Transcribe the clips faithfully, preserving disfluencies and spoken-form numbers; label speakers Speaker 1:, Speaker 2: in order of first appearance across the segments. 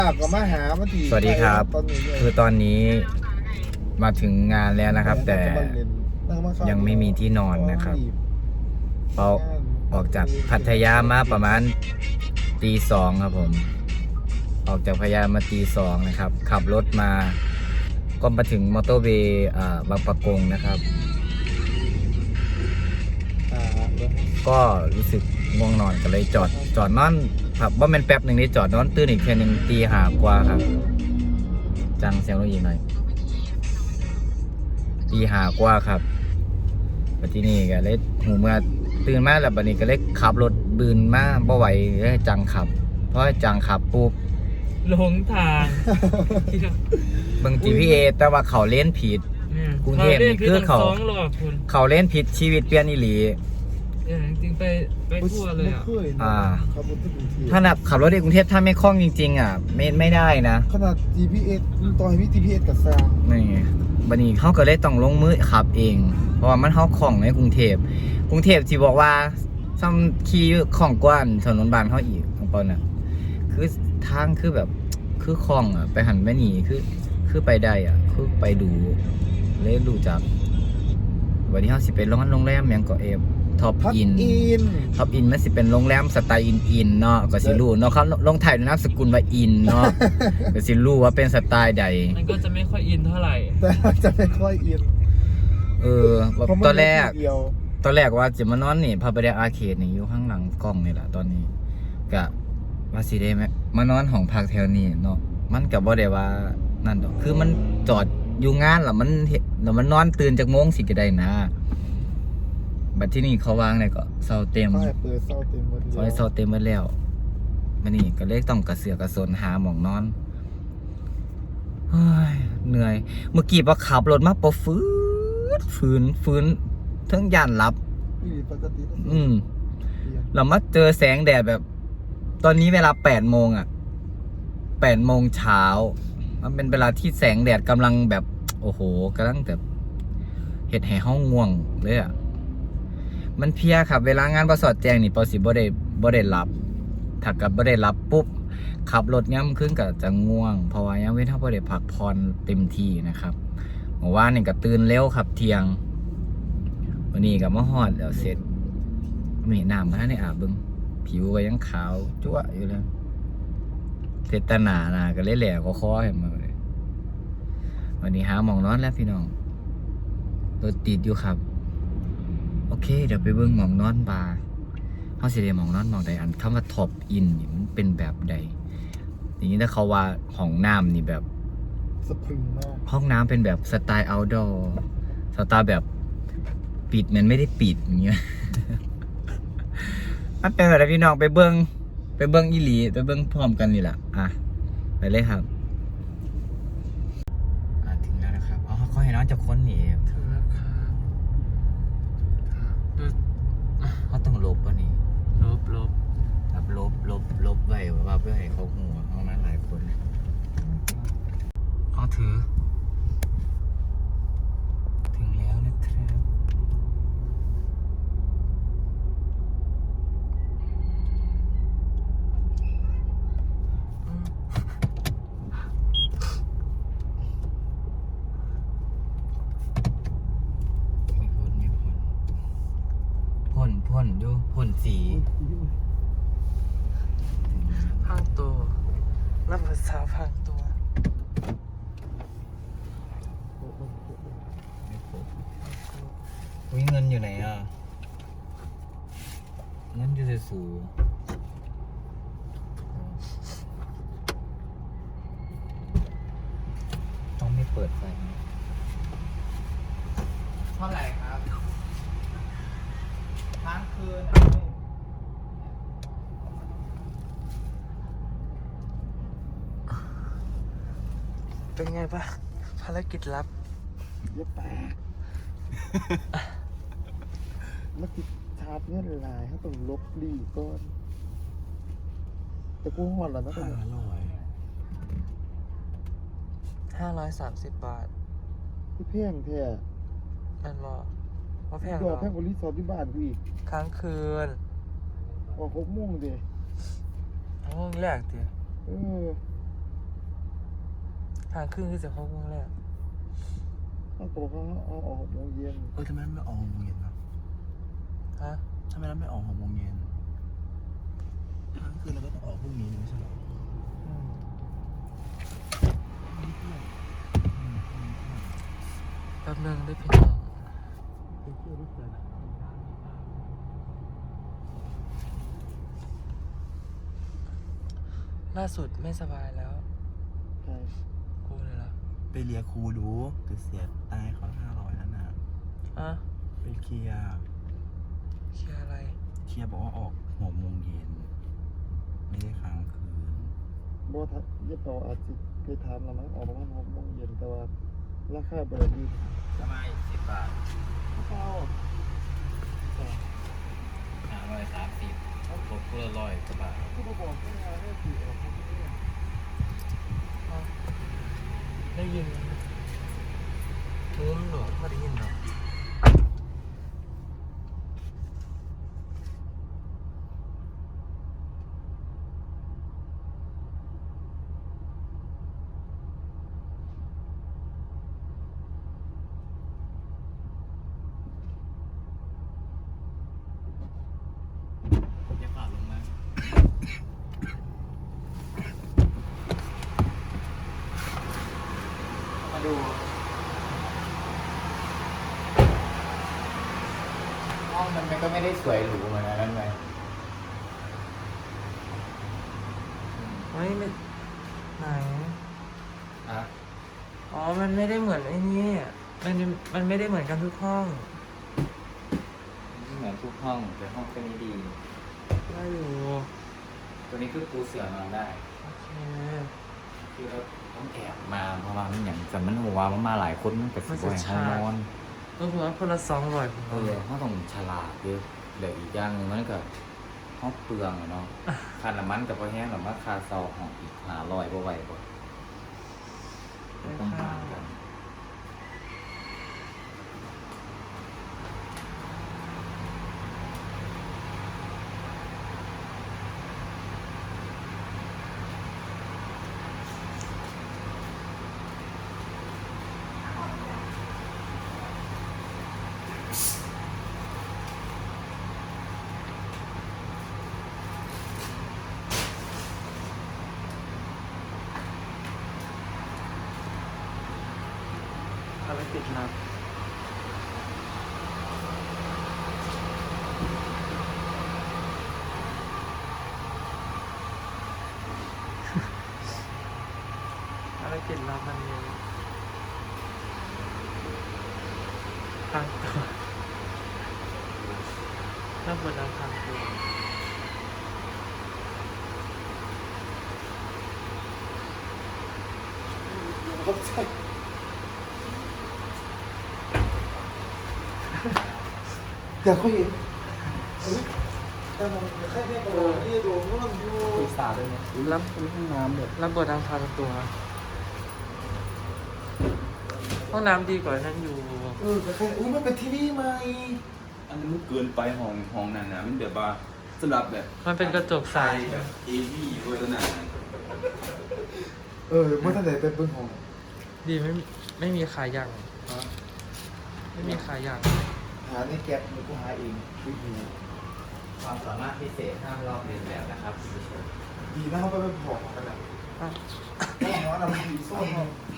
Speaker 1: ก็มาหามาที
Speaker 2: สวัสดีครับคือตอนนี้มาถึงงานแล้วนะครับแต่ยังไม่มีที่นอนนะครับเราออกจากพัทยามาประมาณตีสองครับผมออกจากพัทยามาตีสองนะครับขับรถมาก็มาถึงมอเตอร์เวย์บางปะกงนะครับก็รู้สึกง่วงนอนก็เลยจอดจอดนอนครับว่ามันแป๊บหนึ่งนี่จอดนอนตื่นอีกแค่หนึ่งตีหากว่าครับจังเสียงรถอีกหน่อยตีหากว่าครับปัจจุบันนี้ก็เลยหูเมื่อตื่นมาแล้วบัดนี้ก็เลยขับรถบืนมาบ่ไหวเลยจังขับเพราะจังขับปุ๊บ
Speaker 3: หลงทาง
Speaker 2: บาง จี พี เอส แต่ว่าเขาเล่นผิดกรุงเทพนี่คือเขาเขาเล่นผิดชีวิตเปลี่ยนอีหลี
Speaker 3: จริงไปไปทั่วเลยอ่ะ
Speaker 2: อ่าถ้านับขับรถในกรุงเทพถ้าไม่คล่องจริงๆอ่ะไม่ไม่ได้นะ
Speaker 1: ขนาด จี พี เอส ต่อให้มี จี พี เอส กับซาง
Speaker 2: นี่บัดนี้เขาก็เลยต้องลงมือขับเองเพราะว่ามันเขาคล่องในกรุงเทพกรุงเทพที่บอกว่าซ้ำขี่คล่องกว่าถนนบ้านเขาอีกของเปาน่ะคือทางคือแบบคือคล่องอ่ะไปหันไปหนีคือคือไปได้อ่ะคือไปดูเลยรู้จักวันนี้เขาสิไปร้อนโรงแรมยังก็เอฟท็อปอินท็อปอินมันสิเป็นโรงแรมสไตล์อินอินเนาะก็สิรู้เนาะเขาลงถ่ายด้วยนามสกุลว่าอินเนาะก็สิรู้ว่าเป็นสไตล์ใด
Speaker 3: มันก็จะไม่ค่อยอินเท่าไหร่
Speaker 1: แต่จะไม่ค่อยอิน
Speaker 2: เออตอนแรกตอนแรกว่าจะมานอนนี่พาไปได้อาร์เคดนี่อยู่ข้างหลังกล้องนี่แหละตอนนี้ก็ว่าสิได้ไหมมานอนของพักแถวนี้เนาะมันกับบ่ได้ว่านั่นดอกคือมันจอดอยู่งานแล้วมันแล้วมันนอนตื่นจากโมงสิก็ได้นะบัดที่นี่เขาวางเนี่ยก็เซาเต็ม
Speaker 1: เขาเปิดเซาเต็มหมดแล้ว
Speaker 2: เขาเซาเต็มหมดแล้วมันนี่ก็เลยต้องกระเสือกกระสนหาหมองนอนเฮ้ยเหนื่อยเมื่อกี้พอขับรถมาปอฟื้นฟื้นฟื้นทั้งย่านหลับอืมเรามาเจอแสงแดดแบบตอนนี้เวลาแปดโมงอ่ะแปดโมงเช้ามันเป็นเวลาที่แสงแดดกำลังแบบโอ้โหกำลังแบบเห็ดให้ห้องง่วงเลยอ่ะมันเพียครับเวลางานประสอดแจงนี่ปอสิบ่ได้บ่ได้หลับถ้ากับบ่ได้หลับปุ๊บขับรถย่ำขึ้นก็จะง่วงเพราะว่ายังเว้นถ้าบ่ได้พักผ่อนเต็มที่นะครับเมื่อวานนี่ก็ตื่นเร็วครับเที่ยงวันนี้ก็มาฮอดแล้วเสร็จไม่น้ำมันในอาบบึงผิวก็ยังขาวจั๊วอยู่เลยเสร็จตาหนานะก็เลยแหลกคอๆเห็นมาเลยวันนี้หาหมองนอนแล้วพี่น้องรถติดอยู่ครับโอเคเดี๋ยวไปเบิ่งหมองนอนบาร์เขาสิได้หมองนอนหมองใดอันคำว่าท็อปอินนี่มันเป็นแบบใดอย่างนี้ถ้าเขาว่าห้องน้ำนี่แบบ
Speaker 1: สะพรึงมาก
Speaker 2: ห้องน้ำเป็นแบบสไตล์เอาท์ดอร์สไตล์แบบปิดมันไม่ได้ปิดอย่างเงี้ยมันเป็นแบบพี่น้องไปเบิ่งไปเบิ่งอีหลีไปเบิ่งพร้อมกันนี่แหละอ่ะไปเลยครับอ่ะถึงแล้วนะครับอ๋อเขาให้น้องจะค้นนี่
Speaker 3: ถึงแล้วครับ
Speaker 2: เขาต้องลบป่ะนี่
Speaker 3: ลบลบ
Speaker 2: แบบลบลบลบไว้ว่าเพื่อให้เขาหัวเขามาหลายคนเขาถือถึงแล้วนะครับพ่นพ่นดูพ่นสี
Speaker 3: พังตัวรับภาษาพังตัว
Speaker 2: วิเงินอยู่ไหนอ่ะเงินอยู่ในสูต้องไม่เปิดไฟเท่าไหร่ครับค้างคืน
Speaker 3: เป็นไงบ้างภารกิจลับ
Speaker 1: เยอะแปะเมื่อกี้ชาร์จเงื่อนลายเขาต้องลบดีก่อนแต่กูหอดแล้วนะ
Speaker 3: ห้าร้อยห้าร้อยสามสิบบาท
Speaker 1: ที่แพงแท้
Speaker 3: นั่นหรอว่าแพง
Speaker 1: หรอแพงกว่ารีสอร์ทที่บ้านกูอีก
Speaker 3: ค้างคืน
Speaker 1: ออกหกโมงเดียว
Speaker 3: โมงแรกเดียว
Speaker 1: เออ
Speaker 3: ทางครึ่งคือจะเข้าวงแรก
Speaker 1: ต้องบอกเขาเอาออกหกโมงเย็น
Speaker 4: เออทำไมมันไม่ออกหกโมงเย็นวะ
Speaker 3: ฮะ
Speaker 4: ทำไมเราไม่ออกหกโมงเย็นทั้งคืนเราก็ต้องออกพรุ่งนี้ไม่ใช่เหรอ
Speaker 3: อืมแป๊บนึงได้พี่น้องล่าสุดไม่สบายแล้ว
Speaker 1: ใช่
Speaker 3: กูเลยล่ะ
Speaker 4: ไปเรียกครูดูคือเสียตายเขาห้าร้อยนั่นน่ะ
Speaker 3: อ่ะ
Speaker 4: ไปเคลียร์
Speaker 3: เคลียร์อะไร
Speaker 4: เคลียร์บอกว่าออกหกโมงเย็นไม่ได้ค้างคืน
Speaker 1: บอทัดเย็บต่ออาจจะไปทำแล้วมั้งออกประมาณหกโมงเย็นแต่ว่าราคาบริษัท
Speaker 2: ทำไมสิบบาท
Speaker 1: เข้า
Speaker 2: ห้าร้อยสามสิบตกเพื่อร้อยกว่าบาท
Speaker 1: ผู้ประกอบการให้ถือออกมาที่นี่
Speaker 3: อ่ะได้ยินทุ้มหรอไม่ได้ยินหรอ
Speaker 2: จะผ่านลงมามาดูห้องมันก็ไม่ได้สวยหรูเหมือนอันนั้นไหม
Speaker 3: ไม่ไม่ไหน
Speaker 2: อ่ะ
Speaker 3: อ๋อ มันไม่ได้เหมือนไอ้นี่มันมันไม่ได้เหมือนกันทุกห้อง
Speaker 2: เหมือนทุกห้องแต่ห้องแค่นี้ดี
Speaker 3: ได้อยู่
Speaker 2: ตัวนี้คือปูเสือนอนได้
Speaker 3: โอเค
Speaker 2: คือเราต้องแอบมาเพราะว่ามันอย่างแต่มันหัวมันมาหลายคนมันกับสิบวันห้องนอน
Speaker 3: ก็คือว่าคนละสองร้อยผม
Speaker 2: เออเขาต้องฉลาดเยอะเดี๋ยวอีกอย่างหนึงมันก็ห้องเปลืองอะเนาะค่าน้ำมันกับพอแห้งหรือว่าค่าเซาห้องอีกหาลอยบ่ไหวบ่ต้องหารกัน
Speaker 3: เอาไปติดนะเอาไปติดรับมันเลยทางตัวถ้าเปิดทางทางตัว
Speaker 1: เขาใช่อยากเขาเห็นแต่มันแค่แค่กระโดดที่โดนมันอยู่
Speaker 2: ปรึกษาด้วยไหม
Speaker 3: รับ
Speaker 1: เป็นห้องน้ำแบบ
Speaker 3: รับเปิดทางทางตัวห้องน้ำดีกว่านั้นอยู่
Speaker 1: เออแต่แค่อุ้ยมันเป็นทีวีใหม่
Speaker 4: อันนั้นมันเกินไปห้องห้องนั้นนะมันแบบว่าสำหรับแบบ
Speaker 3: มันเป็นกระจกใส
Speaker 4: แบบเอวี่เวอร์นั้น
Speaker 1: เออเมื่อตั้งแต่เป็นเบิ้งของ
Speaker 3: ดีไม่ไม่มีขายอย่างไม่มีขายอย่าง
Speaker 1: หาในแก๊ปมันกูหาเองคือดี
Speaker 2: ความสามารถพิเศษห้ามลอกเลียนแบบนะครับคุณผู้ชม
Speaker 1: ดีนะเขาไปเป็นผอมกันอ่ะ
Speaker 3: อ่ะ
Speaker 1: แน่นอนเราดีส้ม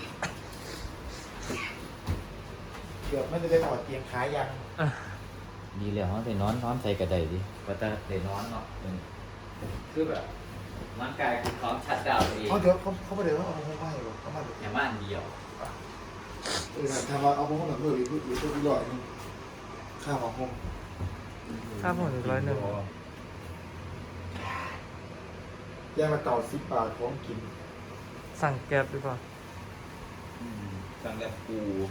Speaker 1: เกือบไม่ได้ไปถอดเตียงขายัง
Speaker 3: อ่ะ
Speaker 2: ดีแล้วเขาไปนอนนอนใส่กระไดดิว่าจะได้นอนเนาะเออคือแบบร่างกายคือพร้อมชัดดาวน์ตัวเอง
Speaker 1: เขาเดี๋ยวเขาเขาไปเดี๋ยวเขาเอาห้องไปหรอกเขามาเดี๋ยว
Speaker 2: อย่างว่าอันเดียว
Speaker 1: เออทำมาเอาห้องหนังเลยหรือหรือตัวใหญ่นึงข้าวห้อง
Speaker 3: ค่าผมอีกร้อยหนึ่ง
Speaker 1: แยกมาเก่าสิบบาทของกิน
Speaker 3: สั่งแก๊บดีกว่า
Speaker 4: อืมสั่งแบบกู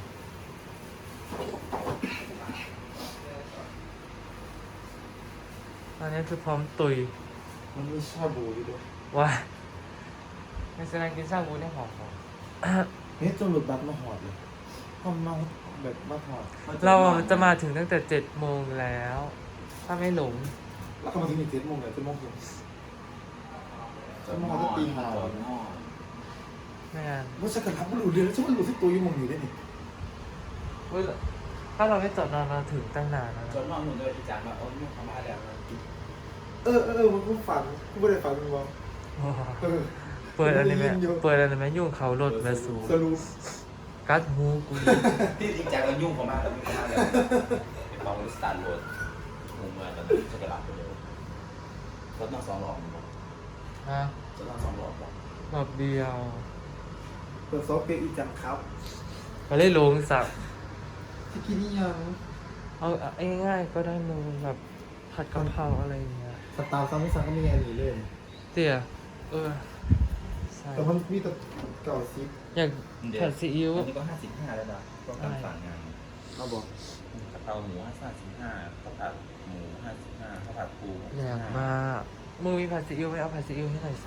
Speaker 3: ตอนนี้คือพร้อมตุย
Speaker 1: มันมีชาบูอยู่ด้วย
Speaker 3: ว่าในสนามกินชาบูได้หอมหอม
Speaker 1: เฮ้ยจนหลุดบัตรมาหอดเลยห้องมาแบบมาหอด
Speaker 3: เราอ่ะจะมาถึงตั้งแต่เจ็ดโมงแล้ว ถ้าไม่หลง
Speaker 1: แล้วก็มาถึงอีกเจ็ดโมงเลยเจ็ดโมงครึ่งเจ็ดโมงก็ตีห้า
Speaker 4: จอดหม้อ
Speaker 3: ไม่งาน
Speaker 1: ว่าฉันกระทับมันหลุดเรือแล้วฉันมันหลุดสักตัวอยังมองอยู่ได้นี่
Speaker 3: เว้ยถ้าเราไม่จอดนานเราถึงตั้งนานแล้ว
Speaker 2: จ
Speaker 3: นะ
Speaker 2: นนอนหนุนเลยที่จานมาโอ้ยยุ่งเขามาแล้วนะ
Speaker 1: เออเออเออมันกูฝันกูไม่ได้ฝันมึงวะ
Speaker 3: โอ้โห
Speaker 1: เออ
Speaker 3: เปิดอันนี้ไหม
Speaker 1: ได้ยินอยู่
Speaker 3: เปิดอันนี้ไหมยุ่งเขารถแมสู
Speaker 1: สรุป
Speaker 3: กัดหูกู
Speaker 2: ที่จริงจังแล้วยุ่งเขามาแล้วยุ่งเขามาแล้วเป็นบางบริษัทโหลดมุมเมืองตอนนี้จะกระลับไปเลยรถนั่งสองหลอดมั้ง
Speaker 3: ฮะ
Speaker 2: รถนั่งสองหลอดป่ะ
Speaker 3: แบบเดียว
Speaker 1: เปิดซอฟต์เปียอีจังครับ
Speaker 3: ก็เลยลงสัก
Speaker 1: ที่กินนี่ยัง
Speaker 3: เอาเอาง่ายๆก็ได้มึงแบบผัดกะเพราอะไรอย่างเงี้ย
Speaker 1: สตาร์ซัมไม่ซังก็มีอันนี้เลย
Speaker 3: เตี๋ยเออใช่
Speaker 1: แต่มันมีแต่เก่าซิป
Speaker 3: อยากผัดซีอิ๊ว
Speaker 2: อันนี้ก็ห้าสิบห้าแล้วนะก็การสั่งงาน
Speaker 1: เอาบอก
Speaker 2: กะเพราหมูห้าสิบห้าข้าวผัดหมูห้าสิบห้าข้าวผัดปู
Speaker 3: อยากมากมึงมีผัดซีอิ๊วไหมเอาผัดซีอิ๊วให้หน่อยสิ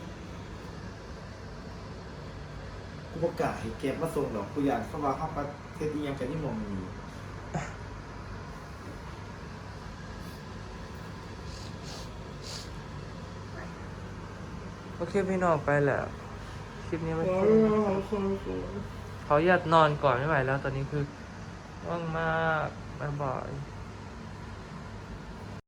Speaker 1: กูประกาศให้เก็บมาส่งหรอกกูอยากเข้ามาเข้าประเทศนี้ยังกันที่มองอยู่
Speaker 3: โอเคพี่น้องไปแหละคลิปนี้ไม่ค่อยเขาอยากนอนก่อนไม่ไหวแล้วตอนนี้คือว่างมากบ๊ายบาย